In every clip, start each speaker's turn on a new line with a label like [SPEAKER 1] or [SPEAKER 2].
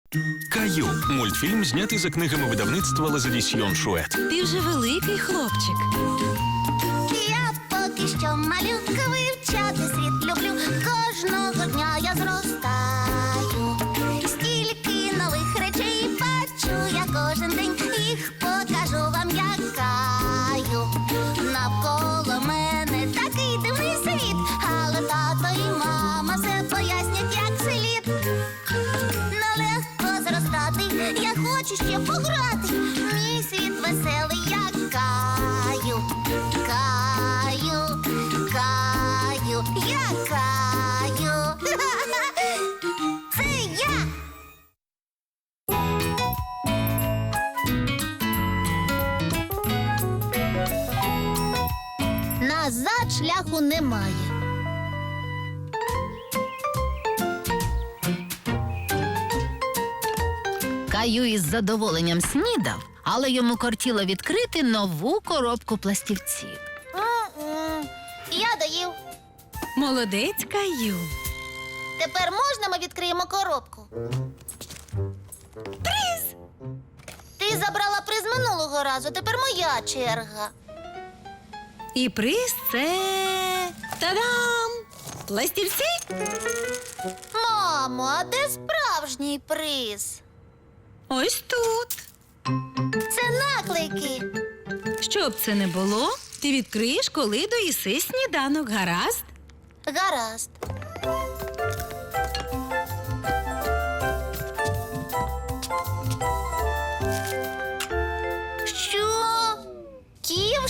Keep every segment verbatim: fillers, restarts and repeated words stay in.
[SPEAKER 1] Каю. Мультфільм знятий за книгами видавництва Лазадісьйон Шует.
[SPEAKER 2] Ти вже великий хлопчик.
[SPEAKER 3] Я поки що малюка, вивчати світ люблю. Кожного дня я зростаю. Стільки нових речей бачу я кожен день. Їх покажу вам, як Каю. Навколо мене такий дивний світ, але тато і мама все пояснять, як слід. Нелегко зростати, я хочу ще пограти. Мій світ веселий, як Каю. Каю, Каю, я Каю. Це я. Назад шляху немає.
[SPEAKER 2] Каю із задоволенням снідав, але йому кортіло відкрити нову коробку пластівців.
[SPEAKER 3] М-м. Я доїв.
[SPEAKER 2] Молодець, Каю.
[SPEAKER 3] Тепер можна ми відкриємо коробку? Приз! Ти забрала приз минулого разу, тепер моя черга.
[SPEAKER 2] І приз це... Та-дам! Пластівці?
[SPEAKER 3] Мамо, а де справжній приз?
[SPEAKER 2] Ось тут.
[SPEAKER 3] Це наклейки.
[SPEAKER 2] Щоб це не було, ти відкриєш, коли доїси сніданок, гаразд?
[SPEAKER 3] Гаразд. Що? Ківш?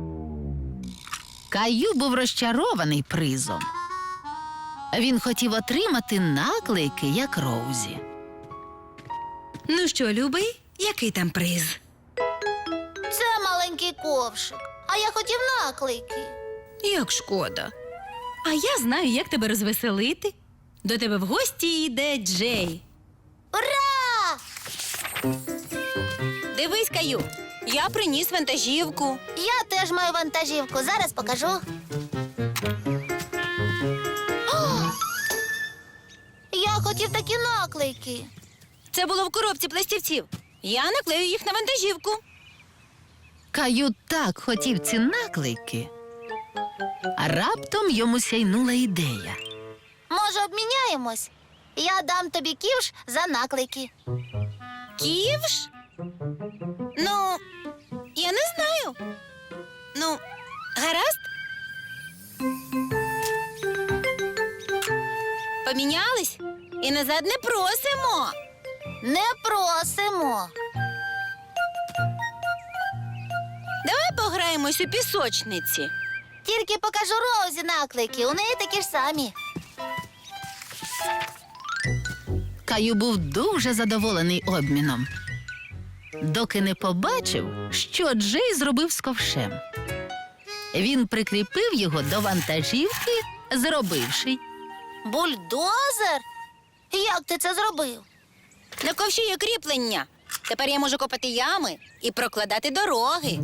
[SPEAKER 2] Каю був розчарований призом. Він хотів отримати наклейки, як Роузі. Ну що, любий, який там приз?
[SPEAKER 3] Це маленький ковшик. А я хотів наклейки.
[SPEAKER 2] Як шкода. А я знаю, як тебе розвеселити. До тебе в гості йде Джей.
[SPEAKER 3] Ура!
[SPEAKER 2] Дивись, Каю, я приніс вантажівку.
[SPEAKER 3] Я теж маю вантажівку. Зараз покажу. О! Я хотів такі наклейки.
[SPEAKER 2] Це було в коробці пластівців. Я наклею їх на вантажівку. Каю так хотів ці наклейки. А раптом йому сяйнула ідея.
[SPEAKER 3] Може, обміняємось? Я дам тобі ківш за наклейки.
[SPEAKER 2] Ківш? Ну, я не знаю. Ну, гаразд? Помінялись? І назад не просимо.
[SPEAKER 3] Не просимо.
[SPEAKER 2] Давай пограємось у пісочниці.
[SPEAKER 3] Тільки покажу Роузі наклейки. У неї такі ж самі.
[SPEAKER 2] Каю був дуже задоволений обміном, доки не побачив, що Джей зробив з ковшем. Він прикріпив його до вантажівки, зробивши.
[SPEAKER 3] Бульдозер? Як ти це зробив?
[SPEAKER 4] На ковші є кріплення. Тепер я можу копати ями і прокладати дороги.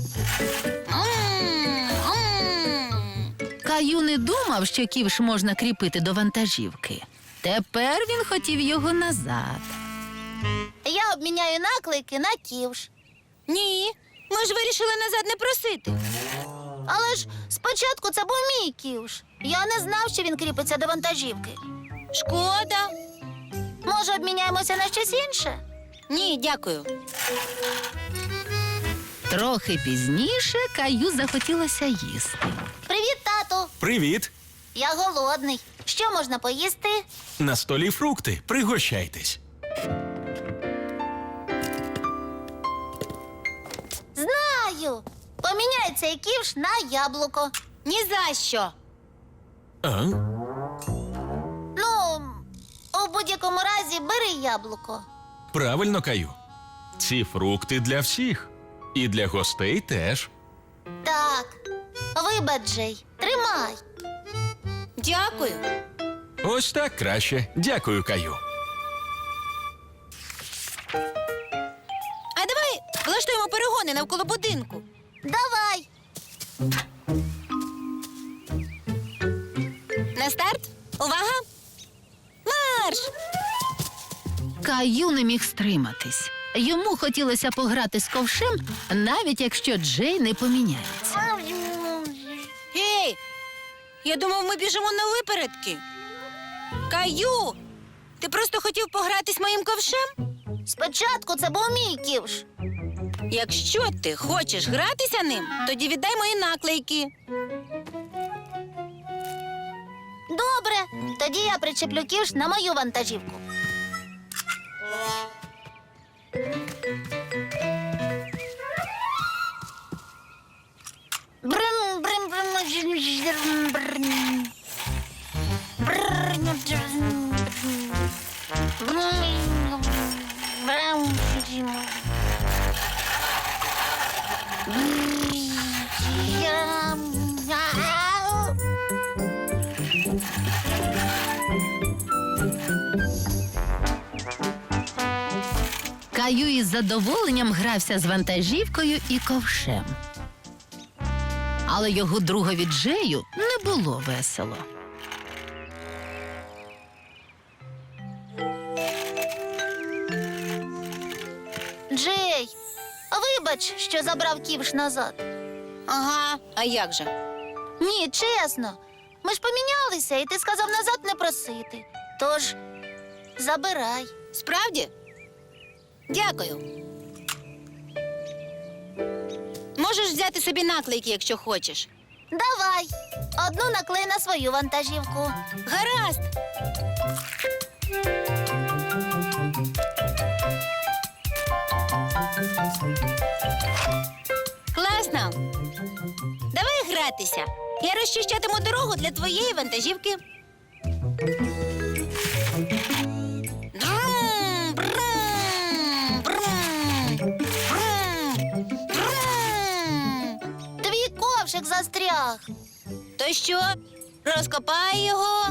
[SPEAKER 4] М, м.
[SPEAKER 2] Каю не думав, що ківш можна кріпити до вантажівки. Тепер він хотів його назад.
[SPEAKER 3] Я обміняю наклейки на ківш.
[SPEAKER 4] Ні, ми ж вирішили назад не просити.
[SPEAKER 3] Але ж спочатку це був мій ківш. Я не знав, що він кріпиться до вантажівки.
[SPEAKER 4] Шкода.
[SPEAKER 3] Може, обміняємося на щось інше?
[SPEAKER 4] Ні, дякую.
[SPEAKER 2] Трохи пізніше Каю захотілося їсти.
[SPEAKER 3] Привіт, тату.
[SPEAKER 1] Привіт!
[SPEAKER 3] Я голодний. Що можна поїсти?
[SPEAKER 1] На столі фрукти. Пригощайтесь.
[SPEAKER 3] Знаю. Поміняй цей ківш на яблуко.
[SPEAKER 4] Ні за що.
[SPEAKER 1] А?
[SPEAKER 3] Ну, у будь-якому разі бери яблуко.
[SPEAKER 1] Правильно, Каю. Ці фрукти для всіх. І для гостей теж.
[SPEAKER 3] Так. Вибач, Джей. Тримай.
[SPEAKER 4] Дякую.
[SPEAKER 1] Ось так краще. Дякую, Каю.
[SPEAKER 4] А давай влаштуємо перегони навколо будинку.
[SPEAKER 3] Давай.
[SPEAKER 4] На старт. Увага! Марш!
[SPEAKER 2] Каю не міг стриматись. Йому хотілося пограти з ковшем, навіть якщо Джей не поміняється.
[SPEAKER 4] Гей! Я думав, ми біжимо на випередки. Каю! Ти просто хотів погратись моїм ковшем?
[SPEAKER 3] Спочатку це був мій ківш.
[SPEAKER 4] Якщо ти хочеш гратися ним, тоді віддай мої наклейки.
[SPEAKER 3] Добре, тоді я причеплю ківш на мою вантажівку. Брим, брим, брим, жим, брим. Брим, жим, брим. Брим, жим. Брим.
[SPEAKER 2] Каю із задоволенням грався з вантажівкою і ковшем. Але його другові Джею не було весело.
[SPEAKER 3] Джей, вибач, що забрав ківш назад.
[SPEAKER 4] Ага, а як же?
[SPEAKER 3] Ні, чесно. Ми ж помінялися, і ти сказав назад не просити. Тож, забирай.
[SPEAKER 4] Справді? Дякую. Можеш взяти собі наклейки, якщо хочеш.
[SPEAKER 3] Давай. Одну наклей на свою вантажівку.
[SPEAKER 4] Гаразд. Класно. Давай гратися. Я розчищатиму дорогу для твоєї вантажівки. Брум, брум, брум, брум, брум.
[SPEAKER 3] Твій ковшик застряг.
[SPEAKER 4] То що, розкопай його?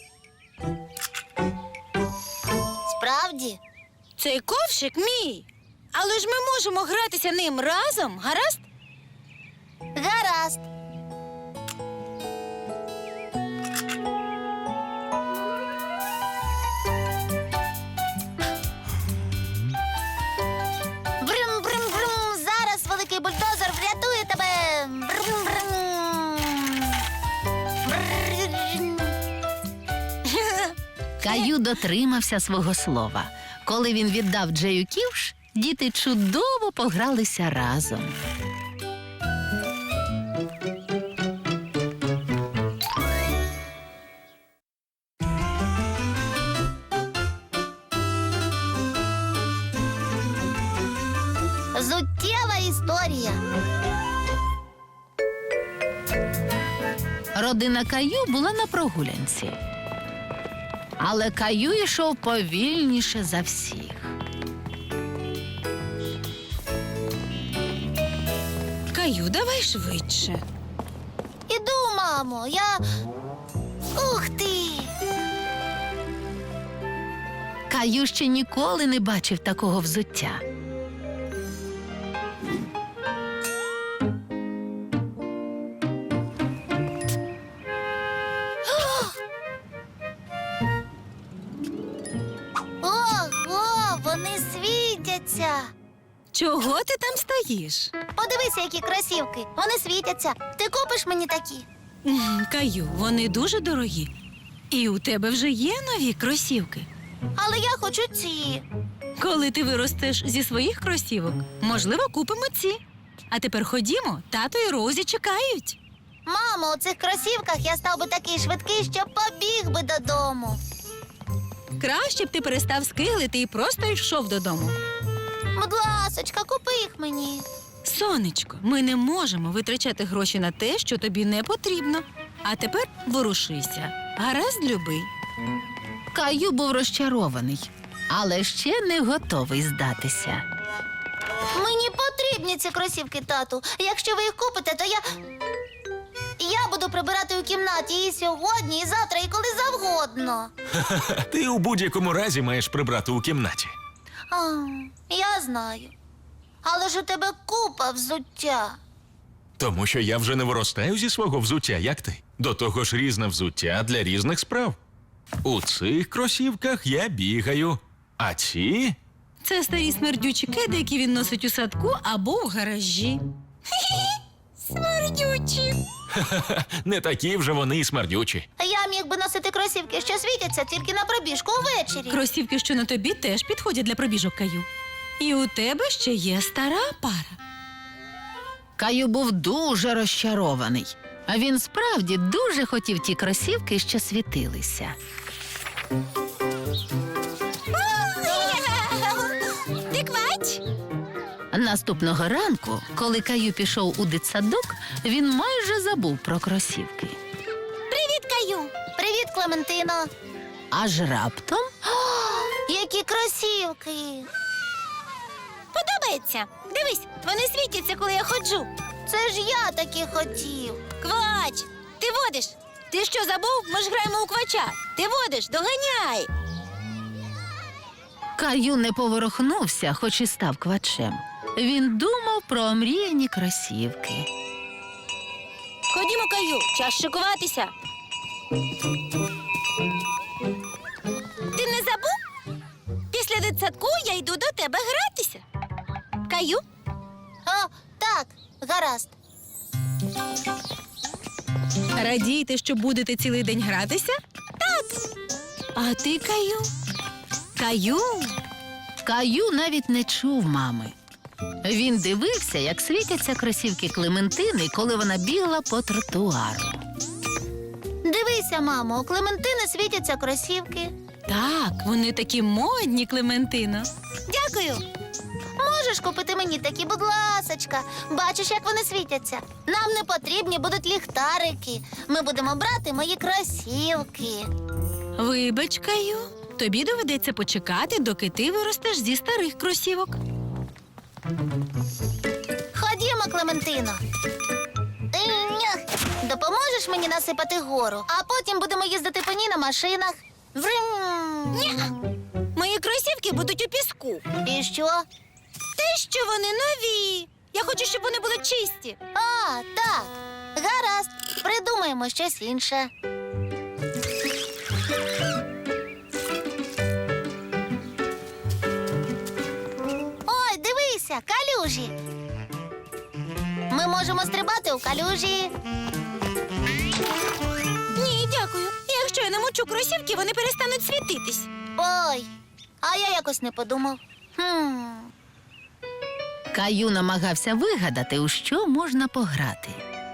[SPEAKER 3] Справді?
[SPEAKER 4] Цей ковшик мій. Але ж ми можемо гратися ним разом, гаразд?
[SPEAKER 3] Гаразд. Брим-брим-брим. Зараз великий бульдозер врятує тебе. Брим-брим. Брим.
[SPEAKER 2] Каю дотримався свого слова. Коли він віддав Джею ківш, діти чудово погралися разом.
[SPEAKER 3] Зуттєва історія.
[SPEAKER 2] Родина Каю була на прогулянці. Але Каю йшов повільніше за всіх.
[SPEAKER 4] Каю, давай швидше.
[SPEAKER 3] Іду, мамо, я. Ух ти!
[SPEAKER 2] Каю ще ніколи не бачив такого взуття.
[SPEAKER 3] Ого, вони світяться.
[SPEAKER 4] Чого ти там стоїш?
[SPEAKER 3] Подивися, які кросівки. Вони світяться. Ти купиш мені такі?
[SPEAKER 4] М, Каю, вони дуже дорогі. І у тебе вже є нові кросівки.
[SPEAKER 3] Але я хочу ці.
[SPEAKER 4] Коли ти виростеш зі своїх кросівок, можливо, купимо ці. А тепер ходімо, тато і Розі чекають.
[SPEAKER 3] Мамо, у цих кросівках я став би такий швидкий, що побіг би додому.
[SPEAKER 4] Краще б ти перестав скиглити і просто йшов додому.
[SPEAKER 3] Будь ласочка, купи їх мені.
[SPEAKER 4] Сонечко, ми не можемо витрачати гроші на те, що тобі не потрібно. А тепер ворушися. Гаразд, любий.
[SPEAKER 2] Каю був розчарований, але ще не готовий здатися.
[SPEAKER 3] Мені потрібні ці кросівки, тату. Якщо ви їх купите, то я. Я буду прибирати у кімнаті і сьогодні, і завтра, і коли завгодно.
[SPEAKER 1] Ти у будь-якому разі маєш прибрати у кімнаті.
[SPEAKER 3] А, я знаю. Але ж у тебе купа взуття.
[SPEAKER 1] Тому що я вже не виростаю зі свого взуття, як ти. До того ж, різне взуття для різних справ. У цих кросівках я бігаю, А ці?
[SPEAKER 4] Це старі смердючі кеди, які він носить у садку або в гаражі. Смердючі.
[SPEAKER 1] Не такі вже вони й смердючі.
[SPEAKER 3] Я міг би носити кросівки, що світяться тільки на пробіжку увечері.
[SPEAKER 4] Кросівки, що на тобі, теж підходять для пробіжок, Каю. І у тебе ще є стара пара.
[SPEAKER 2] Каю був дуже розчарований. А він справді дуже хотів ті кросівки, що світилися.
[SPEAKER 4] Ти квач?
[SPEAKER 2] Наступного ранку, коли Каю пішов у дитсадок, він майже забув про кросівки.
[SPEAKER 3] Привіт, Каю! Привіт, Клементино!
[SPEAKER 2] Аж раптом
[SPEAKER 3] Які кросівки!
[SPEAKER 4] Подобається. Дивись, вони світяться, коли я ходжу.
[SPEAKER 3] Це ж я таки хотів.
[SPEAKER 4] Квач, ти водиш. Ти що, забув? Ми ж граємо у квача. Ти водиш, доганяй.
[SPEAKER 2] Каю не поворухнувся, хоч і став квачем. Він думав про омріяні кросівки.
[SPEAKER 4] Ходімо, Каю, час шикуватися. Ти не забув? Після дитсадку я йду до тебе гратися. Каю?
[SPEAKER 3] О, так, гаразд.
[SPEAKER 4] Радієте, що будете цілий день гратися? Так. А ти, Каю? Каю?
[SPEAKER 2] Каю навіть не чув мами. Він дивився, як світяться кросівки Клементини, коли вона бігла по тротуару.
[SPEAKER 3] Дивися, мамо, у Клементини світяться кросівки.
[SPEAKER 4] Так, вони такі модні, Клементино.
[SPEAKER 3] Дякую. Можеш купити мені такі, будь ласочка. Бачиш, як вони світяться. Нам не потрібні будуть ліхтарики. Ми будемо брати мої кросівки.
[SPEAKER 4] Вибач, Каю, тобі доведеться почекати, доки ти виростеш зі старих кросівок.
[SPEAKER 3] Ходімо, Клементино. Інь. Допоможеш мені насипати гору, а потім будемо їздити по ній на машинах. Врим.
[SPEAKER 4] Мої кросівки будуть у піску.
[SPEAKER 3] І що?
[SPEAKER 4] Те, що вони нові. Я хочу, щоб вони були чисті.
[SPEAKER 3] А, так. Гаразд. Придумаємо щось інше. Ой, дивися, калюжі. Ми можемо стрибати у калюжі.
[SPEAKER 4] Ні, дякую. Якщо я намочу кросівки, вони перестануть світитись.
[SPEAKER 3] Ой, а я якось не подумав. Хм.
[SPEAKER 2] Каю намагався вигадати, у що можна пограти.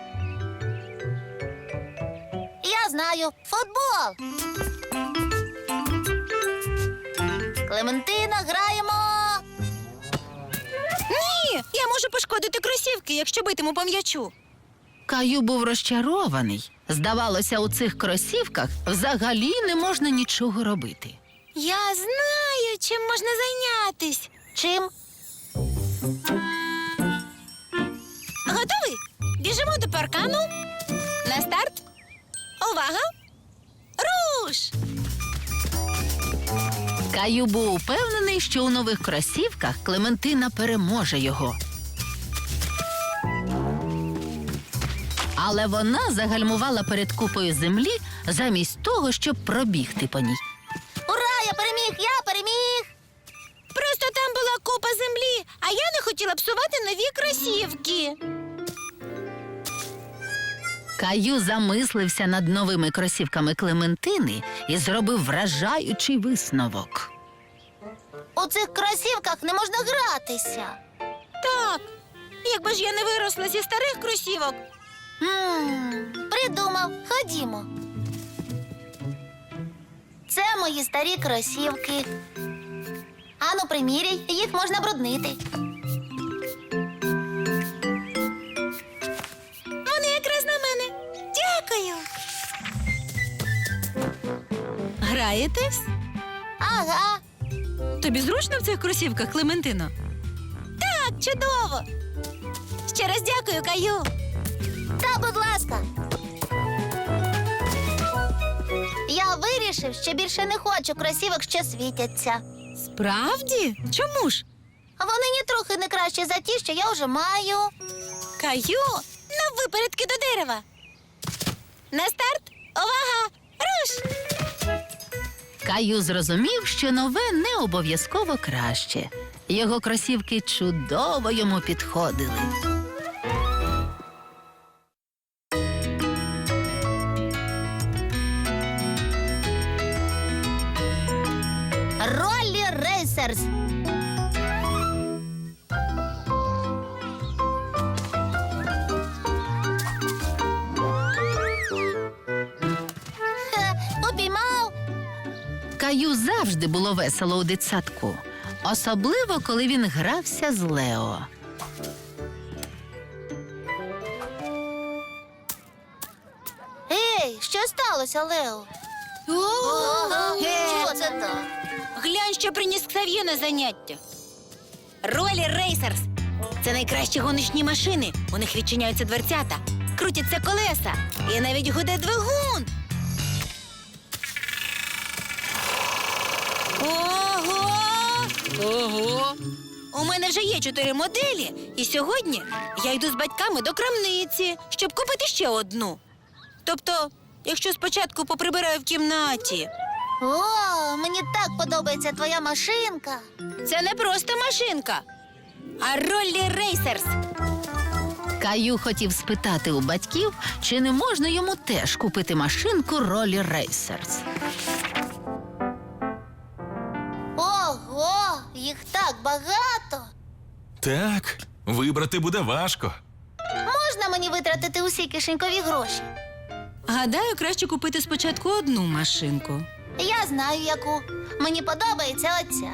[SPEAKER 3] Я знаю. Футбол. Клементина, граємо.
[SPEAKER 4] Ні, я можу пошкодити кросівки, якщо битиму по м'ячу.
[SPEAKER 2] Каю був розчарований. Здавалося, у цих кросівках взагалі не можна нічого робити.
[SPEAKER 4] Я знаю, чим можна зайнятись.
[SPEAKER 3] Чим?
[SPEAKER 4] Готовий? Біжимо до паркану. На старт. Увага! Руш!
[SPEAKER 2] Каю був упевнений, що у нових кросівках Клементина переможе його. Але вона загальмувала перед купою землі замість того, щоб пробігти по ній.
[SPEAKER 3] Ура, я переміг, я переміг.
[SPEAKER 4] Просто там була купа землі, а я не хотіла псувати нові кросівки.
[SPEAKER 2] Каю замислився над новими кросівками Клементини і зробив вражаючий висновок.
[SPEAKER 3] У цих кросівках не можна гратися.
[SPEAKER 4] Так, якби ж я не виросла зі старих кросівок.
[SPEAKER 3] М, Придумав, ходімо. Це мої старі кросівки. Ану, приміряй, їх можна бруднити.
[SPEAKER 4] Вони якраз на мене. Дякую. Граєтесь?
[SPEAKER 3] Ага.
[SPEAKER 4] Тобі зручно в цих кросівках, Клементино? Так, чудово. Ще раз дякую, Каю.
[SPEAKER 3] Та, будь ласка. Я вирішив, що більше не хочу кросівок, що світяться.
[SPEAKER 4] Справді? Чому ж?
[SPEAKER 3] Вони ні трохи не кращі за ті, що я вже маю.
[SPEAKER 4] Каю, на випередки до дерева. На старт. Увага! Руш!
[SPEAKER 2] Каю зрозумів, що нове не обов'язково краще. Його кросівки чудово йому підходили.
[SPEAKER 3] Роллі Рейсерс. Хе, Упіймав.
[SPEAKER 2] Каю завжди було весело у дитсадку. Особливо, коли він грався з Лео.
[SPEAKER 3] Ей, що сталося, Лео? Ого, що це так?
[SPEAKER 4] Глянь, що приніс Ксав'є на заняття. Ролі Рейсерс. Це найкращі гоночні машини. У них відчиняються дверцята, крутяться колеса і навіть гуде двигун. Ого! Ого! У мене вже є чотири моделі, і сьогодні я йду з батьками до крамниці, щоб купити ще одну. Тобто, якщо спочатку поприбираю в кімнаті.
[SPEAKER 3] О, мені так подобається твоя машинка.
[SPEAKER 4] Це не просто машинка, а Роллі Рейсерс.
[SPEAKER 2] Каю хотів спитати у батьків, чи не можна йому теж купити машинку Роллі Рейсерс.
[SPEAKER 3] Ого, їх так багато.
[SPEAKER 1] Так, вибрати буде важко.
[SPEAKER 3] Можна мені витратити усі кишенькові гроші?
[SPEAKER 4] Гадаю, краще купити спочатку одну машинку.
[SPEAKER 3] Я знаю, яку. Мені подобається оця.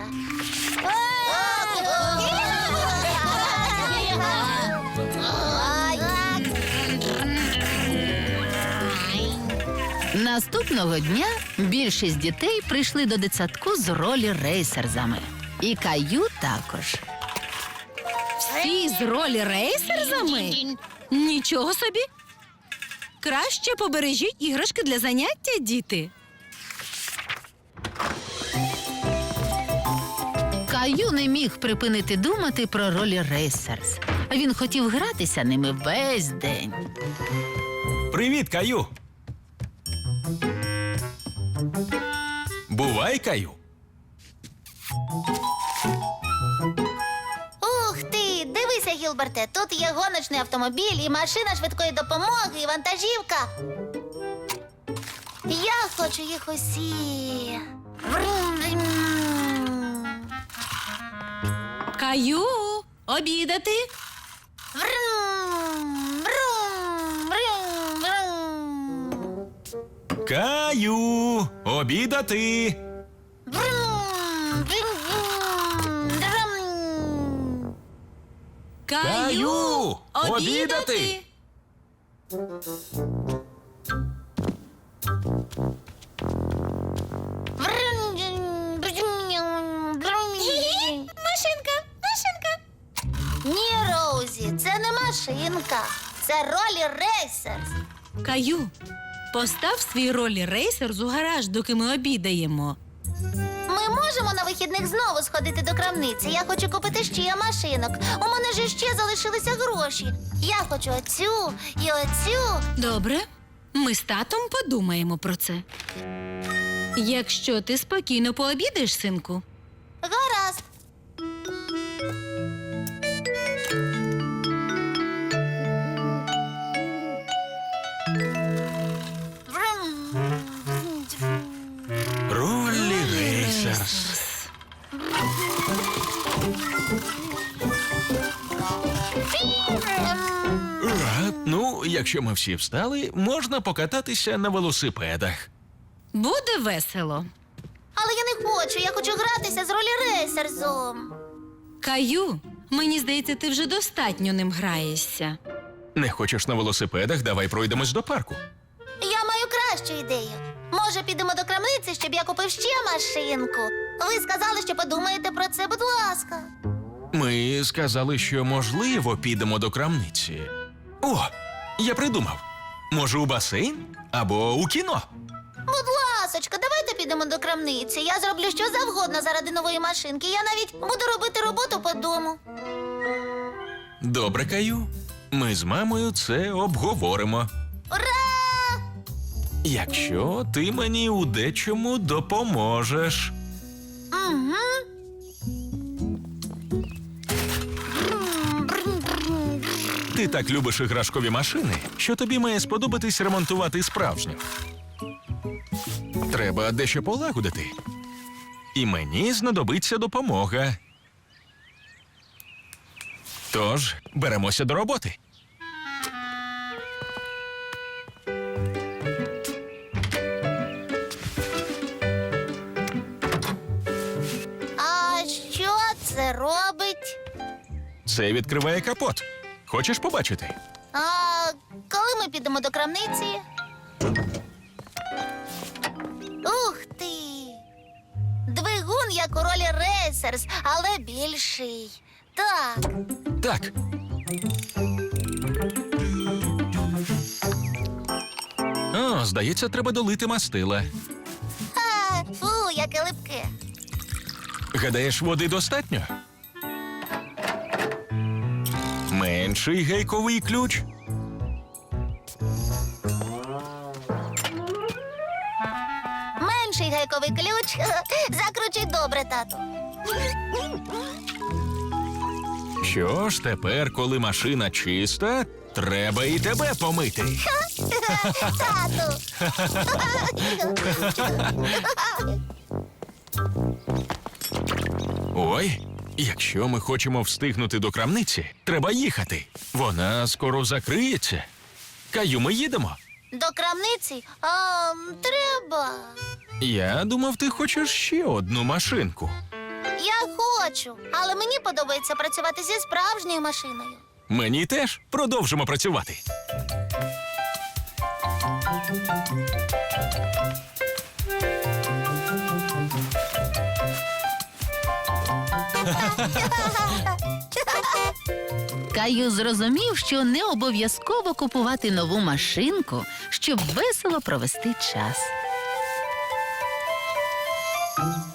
[SPEAKER 2] Наступного дня більшість дітей прийшли до дитсадку з Роллі Рейсерзами. І Каю також.
[SPEAKER 4] Всі з Роллі Рейсерзами? Нічого собі. Краще побережіть іграшки для заняття, діти.
[SPEAKER 2] Каю не міг припинити думати про Роллі Рейсерс. Він хотів гратися ними весь день.
[SPEAKER 1] Привіт, Каю. Бувай, Каю.
[SPEAKER 3] Ух ти! Дивися, Гілберте, тут є гоночний автомобіль, і машина швидкої допомоги, і вантажівка. Я хочу їх усі. Врум-врум.
[SPEAKER 4] Каю, обідати.
[SPEAKER 3] Врум, врум, врум, врум.
[SPEAKER 1] Каю, обідати.
[SPEAKER 3] Врум, врум, врум.
[SPEAKER 1] Каю, обідати.
[SPEAKER 3] Врум, врум, врум.
[SPEAKER 4] Машинка, машинка.
[SPEAKER 3] Ні, Роузі, це не машинка. Це Роллі Рейсерс.
[SPEAKER 4] Каю, постав свій Роллі Рейсерс у гараж, доки ми обідаємо.
[SPEAKER 3] Ми можемо на вихідних знову сходити до крамниці. Я хочу купити ще машинок. У мене ж ще залишилися гроші. Я хочу оцю і оцю.
[SPEAKER 4] Добре, ми з татом подумаємо про це. Якщо ти спокійно пообідаєш, синку.
[SPEAKER 3] Гаразд.
[SPEAKER 1] Роллі Рейсерс. А, ну, якщо ми всі встали, можна покататися на велосипедах.
[SPEAKER 4] Буде весело.
[SPEAKER 3] Але я не хочу, я хочу гратися з Роллі Рейсерсом.
[SPEAKER 4] Каю, мені здається, ти вже достатньо ним граєшся.
[SPEAKER 1] Не хочеш на велосипедах, давай пройдемось до парку.
[SPEAKER 3] Я маю кращу ідею. Може, підемо до крамниці, щоб я купив ще машинку. Ви сказали, що подумаєте про це, будь ласка.
[SPEAKER 1] Ми сказали, що можливо підемо до крамниці. О, я придумав. Може, у басейн або у кіно.
[SPEAKER 3] Будь ласочка, давайте підемо до крамниці. Я зроблю що завгодно заради нової машинки. Я навіть буду робити роботу по дому.
[SPEAKER 1] Добре, Каю. Ми з мамою це обговоримо.
[SPEAKER 3] Ура!
[SPEAKER 1] Якщо ти мені у дечому допоможеш.
[SPEAKER 3] Угу.
[SPEAKER 1] Ти так любиш іграшкові машини, що тобі має сподобатись ремонтувати справжню. Треба дещо полагодити. І мені знадобиться допомога. Тож, беремося до роботи.
[SPEAKER 3] А що це робить?
[SPEAKER 1] Це відкриває капот. Хочеш побачити?
[SPEAKER 3] А коли ми підемо до крамниці? Ух ти! Двигун, як у ролі Рейсерс, але більший. Так.
[SPEAKER 1] Так. О, здається, треба долити мастила.
[SPEAKER 3] А, фу, яке липке.
[SPEAKER 1] Гадаєш, води достатньо? Менший гайковий ключ.
[SPEAKER 3] Менший гайковий ключ. Закручуй добре, тату.
[SPEAKER 1] Що ж, тепер, коли машина чиста, треба і тебе помити.
[SPEAKER 3] Тату.
[SPEAKER 1] Ой, якщо ми хочемо встигнути до крамниці, треба їхати. Вона скоро закриється. Каю, ми їдемо.
[SPEAKER 3] До крамниці? А, треба.
[SPEAKER 1] Я думав, ти хочеш ще одну машинку.
[SPEAKER 3] Я хочу, але мені подобається працювати зі справжньою машиною.
[SPEAKER 1] Мені теж продовжимо працювати.
[SPEAKER 2] Каю зрозумів, що не обов'язково купувати нову машинку, щоб весело провести час.